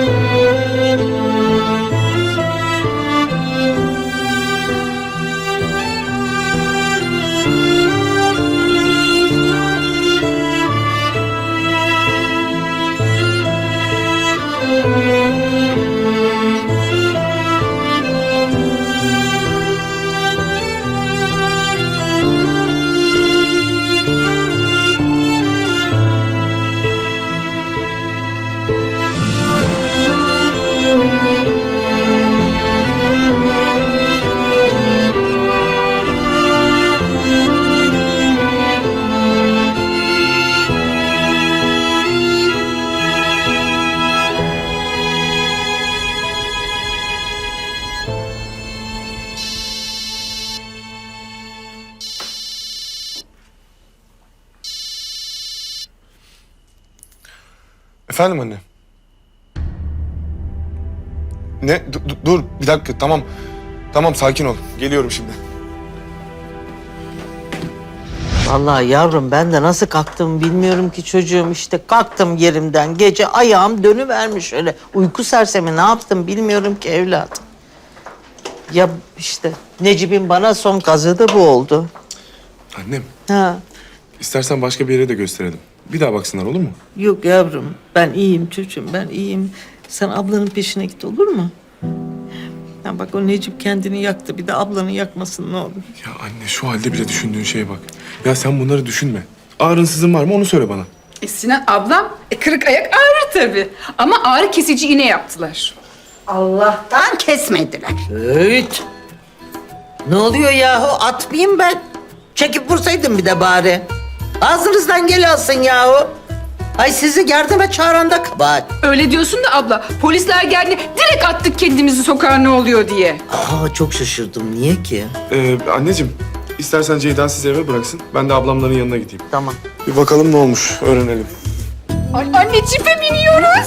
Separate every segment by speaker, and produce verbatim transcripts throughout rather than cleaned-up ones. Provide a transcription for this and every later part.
Speaker 1: Efendim anne? Ne? Dur, dur bir dakika, tamam. Tamam, sakin ol. Geliyorum şimdi.
Speaker 2: Vallahi yavrum ben de nasıl kalktım bilmiyorum ki çocuğum, işte kalktım yerimden. Gece ayağım dönüvermiş öyle. Uyku sersemi ne yaptım bilmiyorum ki evladım. Ya işte Necip'in bana son kazığı da bu oldu.
Speaker 1: Annem,
Speaker 2: Ha.
Speaker 1: istersen başka bir yere de gösterelim. Bir daha baksınlar, olur mu?
Speaker 2: Yok yavrum ben iyiyim çocuğum, ben iyiyim. Sen ablanın peşine git, olur mu? Ya bak o Necip kendini yaktı, bir de ablanı yakmasın ne olur.
Speaker 1: Ya anne, şu halde bile düşündüğün şeye bak. Ya sen bunları düşünme. Ağrın sızın var mı onu söyle bana.
Speaker 3: E Sinan ablam, e, kırık ayak ağrır tabii. Ama ağrı kesici iğne yaptılar.
Speaker 4: Allah'tan kesmediler.
Speaker 2: Evet. Ne oluyor yahu, atmayayım ben. Çekip vursaydım bir de bari. Ağzınızdan gel alsın yahu. Ay sizi yardıma çağıran da kabahat.
Speaker 3: Öyle diyorsun da abla, polisler geldi direkt attık kendimizi sokağa ne oluyor diye.
Speaker 2: Aa çok şaşırdım, niye ki?
Speaker 1: Ee, anneciğim, istersen Ceyda sizi eve bıraksın. Ben de ablamların yanına gideyim.
Speaker 2: Tamam.
Speaker 1: Bir bakalım ne olmuş, öğrenelim.
Speaker 3: Ay anne cipe biniyoruz.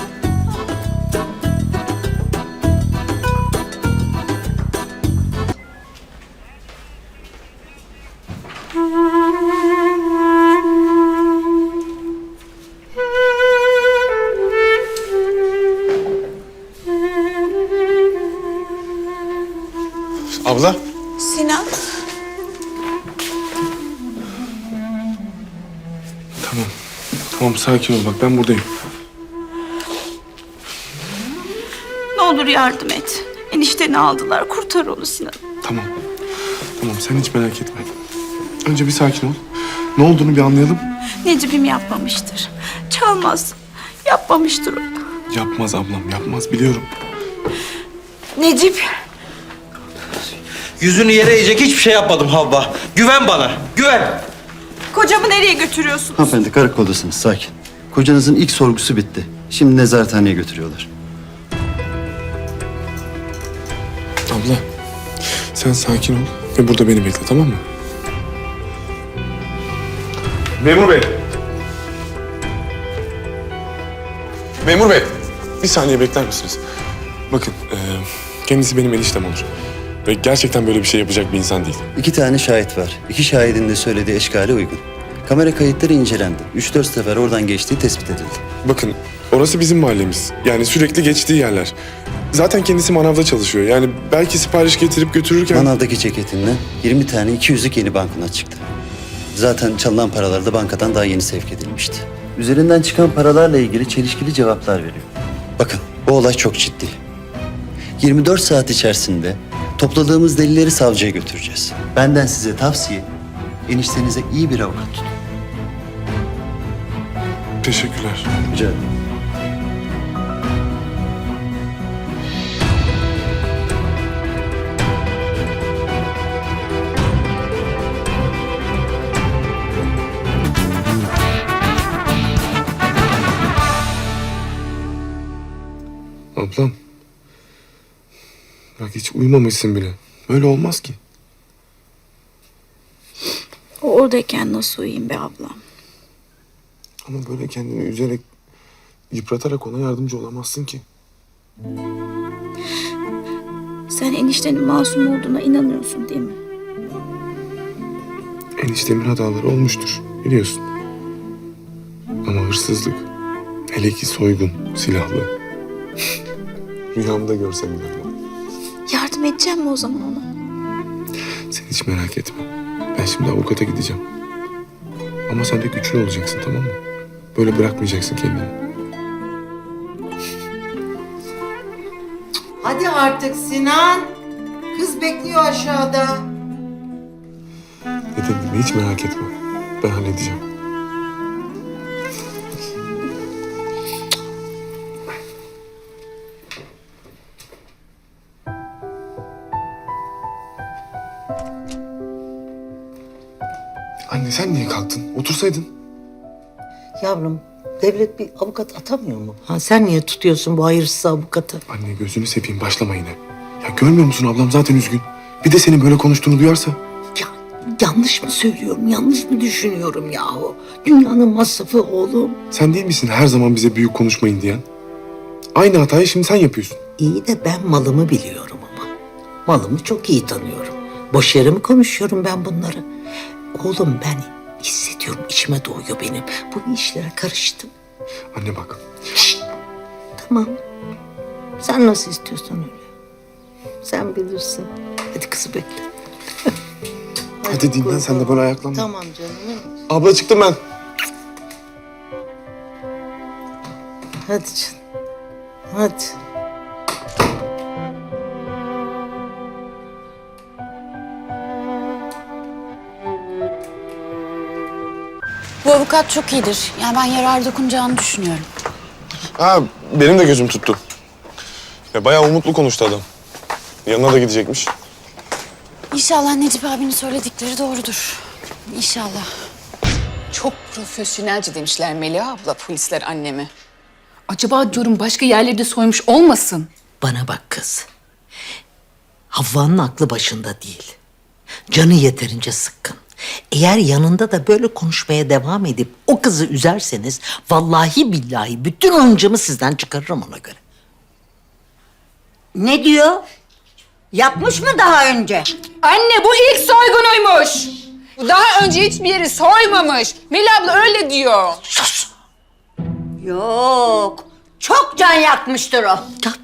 Speaker 1: Abla.
Speaker 5: Sinan.
Speaker 1: Tamam. Tamam, sakin ol, bak ben buradayım.
Speaker 5: Ne olur yardım et. Enişteni aldılar. Kurtar onu Sinan.
Speaker 1: Tamam. Tamam, sen hiç merak etme. Önce bir sakin ol. Ne olduğunu bir anlayalım.
Speaker 5: Necip'im yapmamıştır. Çalmaz. Yapmamıştır o.
Speaker 1: Yapmaz ablam, yapmaz, biliyorum.
Speaker 5: Necip.
Speaker 6: Yüzünü yere eğecek hiçbir şey yapmadım Havva. Güven bana, güven.
Speaker 5: Kocamı nereye götürüyorsunuz?
Speaker 7: Hanımefendi karakoldasınız, sakin. Kocanızın ilk sorgusu bitti. Şimdi nezarethaneye götürüyorlar.
Speaker 1: Abla, sen sakin ol ve burada beni bekle, tamam mı? Memur bey. Memur bey, bir saniye bekler misiniz? Bakın, e, kendisi benim eniştem olur. Ve gerçekten böyle bir şey yapacak bir insan değil.
Speaker 7: İki tane şahit var. İki şahidin de söylediği eşkale uygun. Kamera kayıtları incelendi. Üç dört sefer oradan geçtiği tespit edildi.
Speaker 1: Bakın, orası bizim mahallemiz. Yani sürekli geçtiği yerler. Zaten kendisi manavda çalışıyor. Yani belki sipariş getirip götürürken...
Speaker 7: Manavdaki ceketinden yirmi tane iki yüzlük yeni banknot çıktı. Zaten çalınan paralar da bankadan daha yeni sevk edilmişti. Üzerinden çıkan paralarla ilgili çelişkili cevaplar veriyor. Bakın, bu olay çok ciddi. yirmi dört saat içerisinde topladığımız delilleri savcıya götüreceğiz. Benden size tavsiye, eniştenize iyi bir avukat tutun.
Speaker 1: Teşekkürler.
Speaker 7: Rica ederim.
Speaker 1: Ablam. Bak hiç uyumamışsın bile. Öyle olmaz ki.
Speaker 5: O oradayken nasıl uyuyayım be ablam?
Speaker 1: Ama böyle kendini üzerek, yıpratarak ona yardımcı olamazsın ki.
Speaker 5: Sen eniştenin masum olduğuna inanıyorsun değil mi?
Speaker 1: Eniştemin hataları olmuştur, biliyorsun. Ama hırsızlık, hele ki soygun, silahlı. Rüyamda görsem inanmam.
Speaker 5: Yardım edeceğim mi o zaman ona?
Speaker 1: Sen hiç merak etme. Ben şimdi avukata gideceğim. Ama sen de güçlü olacaksın, tamam mı? Böyle bırakmayacaksın kendini.
Speaker 2: Hadi artık Sinan. Kız bekliyor aşağıda.
Speaker 1: Dediğim gibi hiç merak etme. Ben halledeceğim. Anne sen niye kalktın? Otursaydın.
Speaker 2: Yavrum, devlet bir avukat atamıyor mu? Ha, sen niye tutuyorsun bu hayırsız avukatı?
Speaker 1: Anne gözünü seveyim başlama yine. Ya görmüyor musun ablam zaten üzgün. Bir de senin böyle konuştuğunu duyarsa.
Speaker 2: Ya, yanlış mı söylüyorum, yanlış mı düşünüyorum yahu? Dünyanın masrafı oğlum.
Speaker 1: Sen değil misin her zaman bize büyük konuşmayın diyen? Aynı hatayı şimdi sen yapıyorsun.
Speaker 2: İyi de ben malımı biliyorum ama. Malımı çok iyi tanıyorum. Boş yere mi konuşuyorum ben bunları? Oğlum ben hissediyorum, içime doğuyor benim. Bu işlere karıştım.
Speaker 1: Anne bak.
Speaker 2: Tamam. Sen nasıl istiyorsan öyle. Sen bilirsin. Hadi kızı bekle.
Speaker 1: Hadi dinlen sen de böyle ayaklanma.
Speaker 2: Tamam canım.
Speaker 1: Abla çıktım ben.
Speaker 2: Hadi canım. Hadi.
Speaker 8: Bu avukat çok iyidir. Yani ben yarar dokunacağını düşünüyorum.
Speaker 1: Ha benim de gözüm tuttu. Ya bayağı umutlu konuştu adam. Yanına da gidecekmiş.
Speaker 8: İnşallah Necip abinin söyledikleri doğrudur. İnşallah.
Speaker 3: Çok profesyonelce demişler Melia abla, polisler annemi. Acaba diyorum başka yerlerde soymuş olmasın?
Speaker 2: Bana bak kız. Havva'nın aklı başında değil. Canı yeterince sıkkın. Eğer yanında da böyle konuşmaya devam edip o kızı üzerseniz vallahi billahi bütün hıncımı sizden çıkarırım ona göre.
Speaker 4: Ne diyor? Yapmış mı daha önce?
Speaker 3: Anne bu ilk soygunuymuş. Daha önce hiçbir yeri soymamış. Melia abla öyle diyor.
Speaker 4: Yok. Çok can yakmıştır o.
Speaker 2: Yap.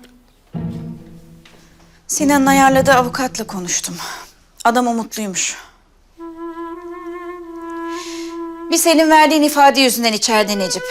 Speaker 5: Sinan'ın ayarladığı avukatla konuştum. Adam umutluymuş. Bir senin verdiğin ifade yüzünden içeride Necip.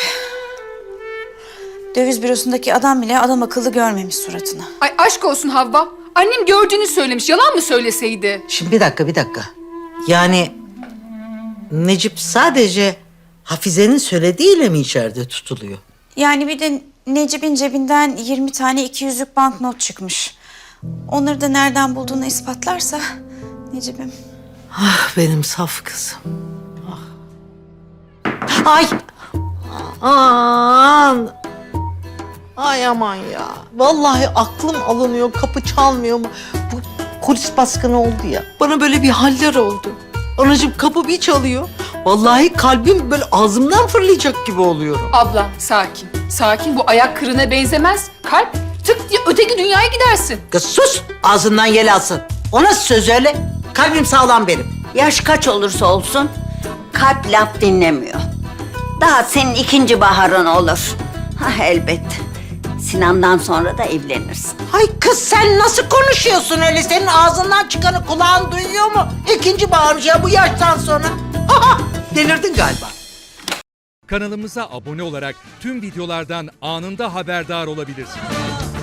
Speaker 5: Döviz bürosundaki adam bile adam akıllı görmemiş suratını.
Speaker 3: Ay aşk olsun Havva. Annem gördüğünü söylemiş. Yalan mı söyleseydi?
Speaker 2: Şimdi bir dakika bir dakika. Yani Necip sadece Hafize'nin söylediğiyle mi içeride tutuluyor?
Speaker 5: Yani bir de Necip'in cebinden yirmi tane iki yüzlük banknot çıkmış. Onları da nereden bulduğunu ispatlarsa Necip'im.
Speaker 2: Ah benim saf kızım. Ah. Ay. Aman. Ay aman ya. Vallahi aklım alınıyor, kapı çalmıyor mu? Bu polis baskını oldu ya. Bana böyle bir haller oldu. Anacığım kapı bir çalıyor. Vallahi kalbim böyle ağzımdan fırlayacak gibi oluyorum.
Speaker 3: Abla sakin. Sakin, bu ayak kırığına benzemez. Kalp tık diye öteki dünyaya gidersin.
Speaker 2: Kız sus, ağzından yel alsın. O nasıl söz öyle? Kalbim sağlam benim.
Speaker 4: Yaş kaç olursa olsun kalp laf dinlemiyor. Daha senin ikinci baharın olur. Ha elbet. Sinan'dan sonra da evlenirsin.
Speaker 2: Ay kız sen nasıl konuşuyorsun öyle? Senin ağzından çıkanı kulağın duyuyor mu? İkinci bağırmış ya bu yaştan sonra. Aha, delirdin galiba.
Speaker 9: Kanalımıza abone olarak tüm videolardan anında haberdar olabilirsiniz.